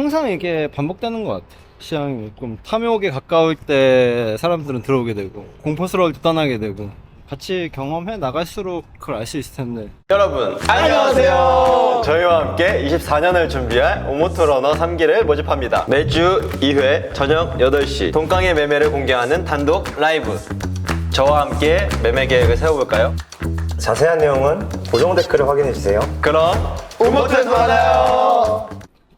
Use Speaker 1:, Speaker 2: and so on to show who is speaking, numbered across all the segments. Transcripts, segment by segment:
Speaker 1: 항상 이게 반복되는 것 같아. 시장이 좀 탐욕에 가까울 때 사람들은 들어오게 되고 공포스러울 때 떠나게 되고 같이 경험해 나갈수록 그걸 알 수 있을 텐데.
Speaker 2: 여러분 안녕하세요. 저희와 함께 24년을 준비할 오모토러너 3기를 모집합니다. 매주 2회 저녁 8시 돈깡의 매매를 공개하는 단독 라이브. 저와 함께 매매 계획을 세워볼까요?
Speaker 3: 자세한 내용은 고정 댓글을 확인해주세요.
Speaker 2: 그럼 오모토에서 만나요.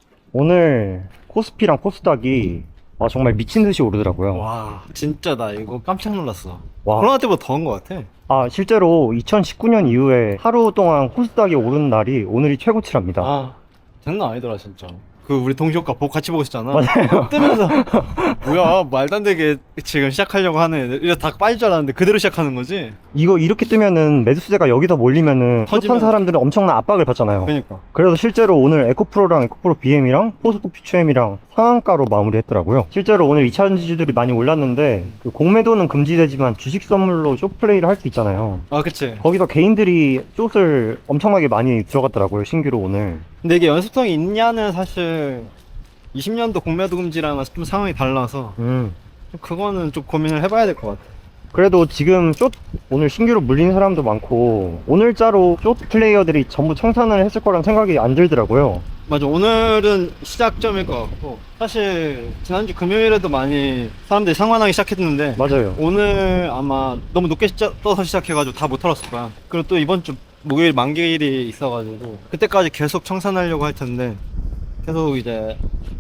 Speaker 3: 오늘 코스피랑 코스닥이 정말 미친듯이 오르더라고요.
Speaker 1: 와 진짜 나 이거 깜짝 놀랐어.
Speaker 3: 와.
Speaker 1: 코로나 때보다 더한 것 같아.
Speaker 3: 실제로 2019년 이후에 하루 동안 코스닥이 오른 날이 오늘이 최고치랍니다.
Speaker 1: 아 장난 아니더라 진짜. 그 우리 동시효과 같이 보고 있었잖아.
Speaker 3: 맞아요.
Speaker 1: 뜨면서 뭐야 말도 안 되게 지금 시작하려고 하는 애들 이거 다 빠질 줄 알았는데 그대로 시작하는 거지.
Speaker 3: 이거 이렇게 뜨면은 매수세가 여기서 몰리면은
Speaker 1: 터지면-
Speaker 3: 한 사람들은 엄청난 압박을 받잖아요.
Speaker 1: 그러니까
Speaker 3: 그래서 실제로 오늘 에코프로랑 에코프로 BM이랑 포스코 퓨처엠이랑 상한가로 마무리했더라고요. 실제로 오늘 2차 지주들이 많이 올랐는데 그 공매도는 금지되지만 주식 선물로 숏플레이를 할 수 있잖아요.
Speaker 1: 아 그치.
Speaker 3: 거기서 개인들이 숏을 엄청나게 많이 들어갔더라고요, 신규로 오늘.
Speaker 1: 근데 이게 연습성이 있냐는 사실 20년도 공매도 금지랑은 좀 상황이 달라서 좀 그거는 좀 고민을 해봐야 될 것 같아.
Speaker 3: 그래도 지금 숏 오늘 신규로 물린 사람도 많고 오늘자로 숏 플레이어들이 전부 청산을 했을 거란 생각이 안 들더라고요.
Speaker 1: 맞아, 오늘은 시작점일 것 같고 사실 지난주 금요일에도 많이 사람들이 상환하기 시작했는데
Speaker 3: 맞아요.
Speaker 1: 오늘 아마 너무 높게 떠서 시작해가지고 다 못 털었을 거야. 그리고 또 이번 주 목요일 만기일이 있어가지고 그때까지 계속 청산하려고 할 텐데 계속 이제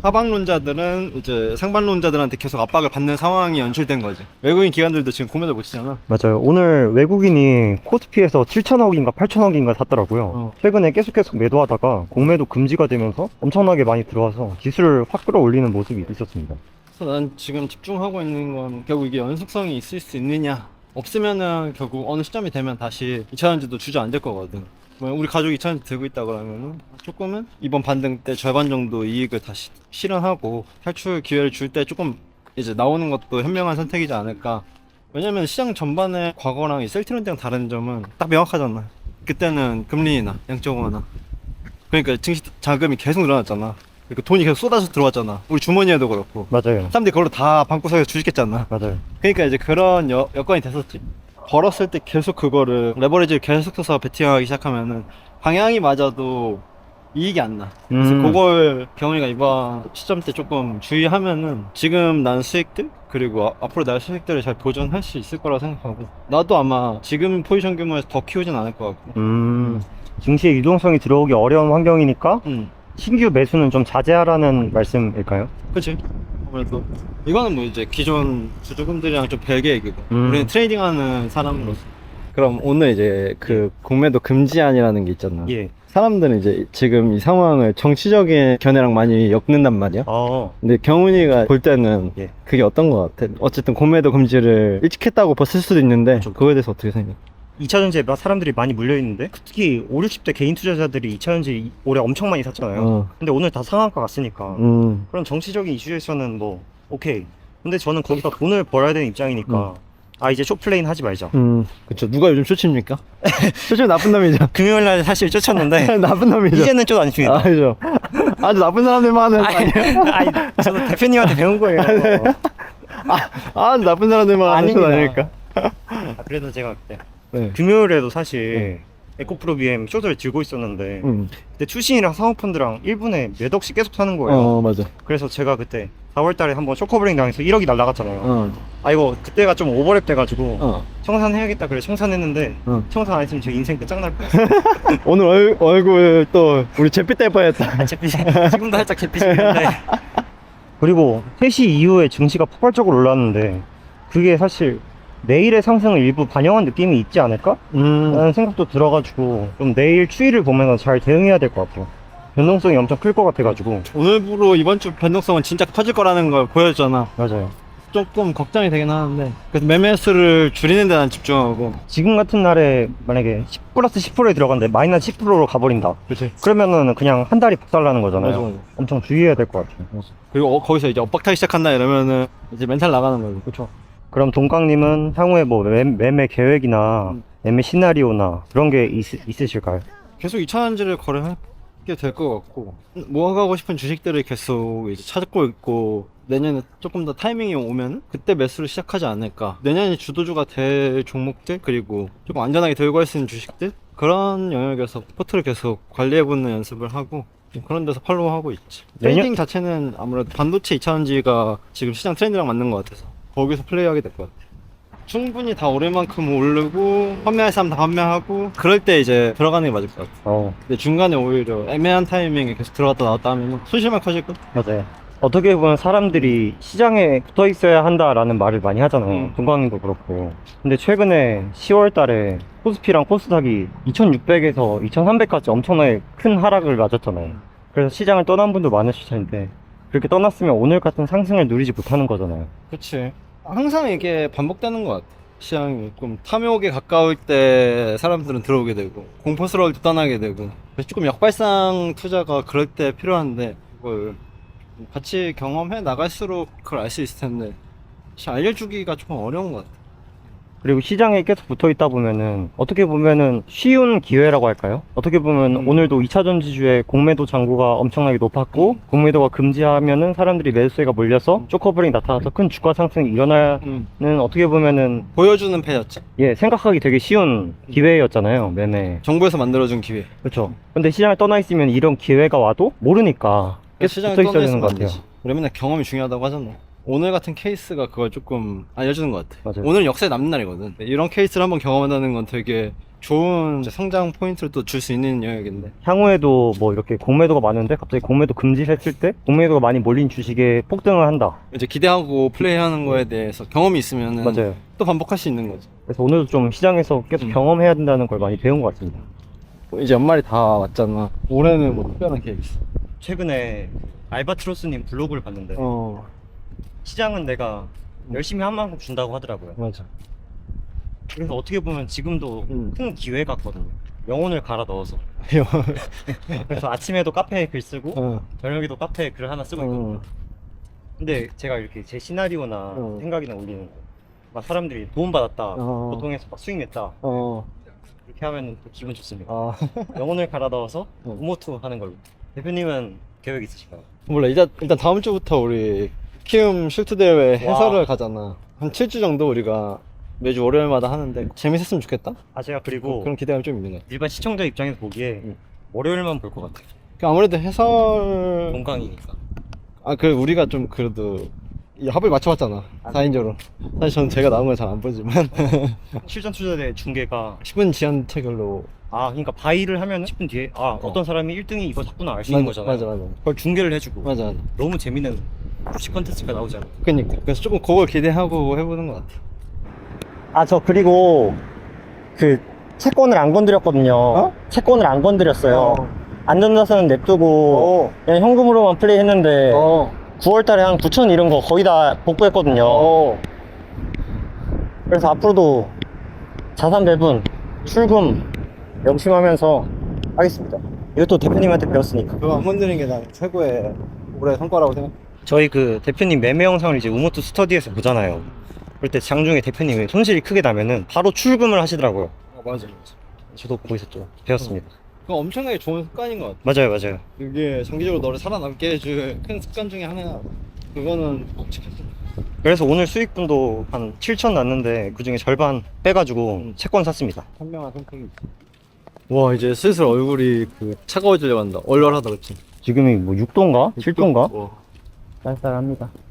Speaker 1: 하방론자들은 이제 상반론자들한테 계속 압박을 받는 상황이 연출된 거지. 외국인 기관들도 지금 공매도 못 치잖아.
Speaker 3: 맞아요. 오늘 외국인이 코스피에서 7천억인가 8천억인가 샀더라고요. 최근에 계속 매도하다가 공매도 금지가 되면서 엄청나게 많이 들어와서 지수를 확 끌어올리는 모습이 있었습니다.
Speaker 1: 그래서 난 지금 집중하고 있는 건 결국 이게 연속성이 있을 수 있느냐, 없으면은 결국 어느 시점이 되면 다시 2차전지도 주저앉을 거거든. 뭐 우리 가족이 2차전지 들고 있다 그러면은 조금은 이번 반등 때 절반 정도 이익을 다시 실현하고 탈출 기회를 줄 때 조금 이제 나오는 것도 현명한 선택이지 않을까. 왜냐면 시장 전반에 과거랑 이 셀트렌드랑 다른 점은 딱 명확하잖아. 그때는 금리 인하, 양적 완화, 그러니까 증시 자금이 계속 늘어났잖아. 그러니까 돈이 계속 쏟아져 들어왔잖아. 우리 주머니에도 그렇고
Speaker 3: 맞아요.
Speaker 1: 사람들이 그걸로 다 방구석에서 주식했잖아.
Speaker 3: 맞아요.
Speaker 1: 그러니까 이제 그런 여건이 됐었지. 벌었을 때 계속 그거를 레버리지를 계속 써서 베팅하기 시작하면은 방향이 맞아도 이익이 안 나. 그래서 그걸 경훈이가 이번 시점 때 조금 주의하면은 지금 난 수익들 그리고 앞으로 날 수익들을 잘 보존할 수 있을 거라고 생각하고 나도 아마 지금 포지션 규모에서 더 키우진 않을 것 같고.
Speaker 3: 증시의 유동성이 들어오기 어려운 환경이니까
Speaker 1: 응.
Speaker 3: 신규 매수는 좀 자제하라는 말씀일까요?
Speaker 1: 그치? 아무래도 이거는 뭐 이제 기존 주주분들이랑 좀 별개 얘기고 우리는 트레이딩하는 사람으로서. 그럼 오늘 이제 그 공매도 금지안이라는 게 있잖아.
Speaker 3: 예.
Speaker 1: 사람들은 이제 지금 이 상황을 정치적인 견해랑 많이 엮는단 말이야. 근데 경훈이가 볼 때는
Speaker 3: 예.
Speaker 1: 그게 어떤 거 같아? 어쨌든 공매도 금지를 일찍 했다고 봤을 수도 있는데 그거에 대해서 어떻게 생각해?
Speaker 3: 2차전지에 사람들이 많이 물려있는데 특히 5, 60대 개인 투자자들이 2차전지 올해 엄청 많이 샀잖아요. 근데 오늘 다 상한가 갔으니까 그런 정치적인 이슈에서는 뭐 오케이. 근데 저는 거기서 돈을 벌어야 되는 입장이니까 이제 숏플레이는 하지 말자.
Speaker 1: 그쵸. 누가 요즘 쫓입니까? 쫓으면 나쁜 놈이죠.
Speaker 3: 금요일날 사실 쫓았는데
Speaker 1: 나쁜 놈이죠.
Speaker 3: 이제는 좀 아닙니다.
Speaker 1: 아니죠. 아주 나쁜 사람들만 하는 거 아니에요?
Speaker 3: 저도 대표님한테 배운 거예요.
Speaker 1: 아주 나쁜 사람들만 하는 거
Speaker 3: 아닙니다.
Speaker 1: 아닐까?
Speaker 3: 그래서 제가 그때
Speaker 1: 네.
Speaker 3: 금요일에도 사실 에코프로 BM 숏을 들고 있었는데 그때 추신이랑 사모펀드랑 1분에 몇 억씩 계속 사는 거예요.
Speaker 1: 맞아.
Speaker 3: 그래서 제가 그때 4월달에 한번 쇼커브링 당해서 1억이 날라갔잖아요. 이거 그때가 좀 오버랩 돼가지고 청산해야겠다 그래 청산했는데 청산 안 했으면 제 인생 끝장날 뻔했어요.
Speaker 1: 오늘 얼굴 또 우리 잿빛 될 뻔했다.
Speaker 3: 지금도 살짝 잿빛인데 그리고 3시 이후에 증시가 폭발적으로 올랐는데 그게 사실 내일의 상승을 일부 반영한 느낌이 있지 않을까? 라는 생각도 들어가지고 좀 내일 추이를 보면서 잘 대응해야 될 것 같아요. 변동성이 엄청 클 것 같아가지고.
Speaker 1: 오늘부로 이번 주 변동성은 진짜 커질 거라는 걸 보여줬잖아.
Speaker 3: 맞아요.
Speaker 1: 조금 걱정이 되긴 하는데 그래서 매매 수를 줄이는 데 난 집중하고.
Speaker 3: 지금 같은 날에 만약에 10 플러스 10%에 들어갔는데 마이너스 10%로 가버린다.
Speaker 1: 그치.
Speaker 3: 그러면은 그냥 한 달이 박살나는 거잖아요.
Speaker 1: 맞아.
Speaker 3: 엄청 주의해야 될 것 같아요.
Speaker 1: 그리고 거기서 이제 엇박타기 시작한다 이러면은 이제 멘탈 나가는 거고.
Speaker 3: 그렇죠. 그럼 동강님은 향후에 뭐 매매 계획이나 매매 시나리오나 그런 게 있으실까요?
Speaker 1: 계속 2차전지를 거래할 게 될 것 같고 모아가고 싶은 주식들을 계속 이제 찾고 있고 내년에 조금 더 타이밍이 오면 그때 매수를 시작하지 않을까. 내년이 주도주가 될 종목들 그리고 조금 안전하게 들고 갈 수 있는 주식들 그런 영역에서 포트를 계속 관리해보는 연습을 하고 그런 데서 팔로우하고 있지. 트레이딩 자체는 아무래도 반도체 2차전지가 지금 시장 트렌드랑 맞는 것 같아서 거기서 플레이하게 될 것 같아. 충분히 다 오를 만큼 오르고 판매할 사람 다 판매하고 그럴 때 이제 들어가는 게 맞을 것 같아. 근데 중간에 오히려 애매한 타이밍에 계속 들어갔다 나왔다 하면 손실만 커질거든.
Speaker 3: 맞아요. 어떻게 보면 사람들이 시장에 붙어 있어야 한다라는 말을 많이 하잖아요. 동광인도 그렇고. 근데 최근에 10월 달에 코스피랑 코스닥이 2600에서 2300까지 엄청나게 큰 하락을 맞았잖아요. 그래서 시장을 떠난 분도 많으실 텐데 그렇게 떠났으면 오늘 같은 상승을 누리지 못하는 거잖아요.
Speaker 1: 그치. 항상 이게 반복되는 것 같아. 시장이 좀 탐욕에 가까울 때 사람들은 들어오게 되고 공포스러울 때 떠나게 되고 그래서 조금 역발상 투자가 그럴 때 필요한데 그걸 같이 경험해 나갈수록 그걸 알 수 있을 텐데 사실 알려주기가 조금 어려운 것 같아.
Speaker 3: 그리고 시장에 계속 붙어 있다 보면은 어떻게 보면은 쉬운 기회라고 할까요? 어떻게 보면 오늘도 2차전지주의 공매도 잔고가 엄청나게 높았고 공매도가 금지하면은 사람들이 매수세가 몰려서 쇼커버링 나타나서 큰 주가 상승이 일어나는 어떻게 보면은
Speaker 1: 보여주는 패였지.
Speaker 3: 예 생각하기 되게 쉬운 기회였잖아요. 매매.
Speaker 1: 정부에서 만들어준 기회.
Speaker 3: 그렇죠. 근데 시장에 떠나 있으면 이런 기회가 와도 모르니까 계속
Speaker 1: 시장에
Speaker 3: 붙어 있어야
Speaker 1: 떠나
Speaker 3: 되는
Speaker 1: 있으면
Speaker 3: 것
Speaker 1: 안
Speaker 3: 같아요.
Speaker 1: 되지. 우리 맨날 경험이 중요하다고 하잖아. 오늘 같은 케이스가 그걸 조금 알려주는 것 같아.
Speaker 3: 맞아요.
Speaker 1: 오늘 역사에 남는 날이거든. 이런 케이스를 한번 경험한다는 건 되게 좋은 이제 성장 포인트를 또 줄 수 있는 영역인데.
Speaker 3: 향후에도 뭐 이렇게 공매도가 많은데 갑자기 공매도 금지를 했을 때 공매도가 많이 몰린 주식에 폭등을 한다.
Speaker 1: 이제 기대하고 플레이하는 거에 대해서 경험이 있으면은
Speaker 3: 맞아요.
Speaker 1: 또 반복할 수 있는 거지.
Speaker 3: 그래서 오늘도 좀 시장에서 계속 경험해야 된다는 걸 많이 배운 것 같습니다.
Speaker 1: 이제 연말이 다 왔잖아. 올해는 뭐 특별한 계획 있어?
Speaker 3: 최근에 알바트로스님 블로그를 봤는데 시장은 내가 열심히 한 만큼 준다고 하더라고요.
Speaker 1: 맞아.
Speaker 3: 그래서 어떻게 보면 지금도 큰 기회 같거든요. 영혼을 갈아 넣어서. 그래서 아침에도 카페에 글 쓰고 저녁에도 카페에 글 하나 쓰고 있거든요. 근데 제가 이렇게 제 시나리오나 생각이나 올리는 거, 막 사람들이 도움받았다, 보통에서 막 수익 냈다, 이렇게 하면 또 기분 좋습니다. 영혼을 갈아 넣어서 우모투 하는 걸로. 대표님은 계획 있으실까요?
Speaker 1: 몰라. 일단 다음 주부터 우리 키움 슐트 대회 해설을 가잖아. 한 7주 정도 우리가 매주 월요일마다 하는데 재밌었으면 좋겠다?
Speaker 3: 제가 그리고
Speaker 1: 그런 기대감이 좀 있는 것 같아.
Speaker 3: 일반 시청자 입장에서 보기에 월요일만 볼 것 같아요.
Speaker 1: 아무래도 해설
Speaker 3: 동강이니까.
Speaker 1: 우리가 좀 그래도 이 합을 맞춰봤잖아. 4인조로. 사실 저는 제가 나온 건 잘 안 보지만
Speaker 3: 실전 투자대 중계가
Speaker 1: 10분 지연 체결로.
Speaker 3: 그러니까 바이를 하면 10분 뒤에 어떤 사람이 1등이 이거 샀구나 알 수 있는 거잖아요.
Speaker 1: 맞아.
Speaker 3: 그걸 중계를 해주고
Speaker 1: 맞아.
Speaker 3: 너무 재밌는 주식 컨텐츠가 나오잖아요.
Speaker 1: 그러니까 그래서 조금 그걸 기대하고 해보는 것 같아.
Speaker 3: 저 그리고 그 채권을 안 건드렸거든요. 채권을 안 건드렸어요. 안전자산은 냅두고 그냥 현금으로만 플레이했는데 9월달에 한 9천 이런 거 거의 다 복구했거든요. 그래서 앞으로도 자산 배분, 출금 명심하면서 하겠습니다. 이것도 대표님한테 배웠으니까.
Speaker 1: 그거 안 건드리는 게 난 최고의 올해 성과라고 생각해.
Speaker 3: 저희 그 대표님 매매 영상을 이제 우모투 스터디에서 보잖아요. 그럴 때 장중에 대표님이 손실이 크게 나면은 바로 출금을 하시더라고요.
Speaker 1: 맞아.
Speaker 3: 저도 보고 있었죠. 배웠습니다.
Speaker 1: 그거 엄청나게 좋은 습관인 것 같아.
Speaker 3: 맞아요.
Speaker 1: 이게 장기적으로 너를 살아남게 해줄 큰 습관 중에 하나야. 그거는 꼭 지켰어.
Speaker 3: 그래서 오늘 수익분도 한 7천 났는데 그 중에 절반 빼가지고 채권 샀습니다.
Speaker 1: 현명한 선택이 있어. 와, 이제 슬슬 얼굴이 차가워지려고 한다. 얼얼하다, 그치?
Speaker 3: 지금이 뭐 6도인가? 7도인가?
Speaker 1: 와.
Speaker 3: 쌀쌀합니다.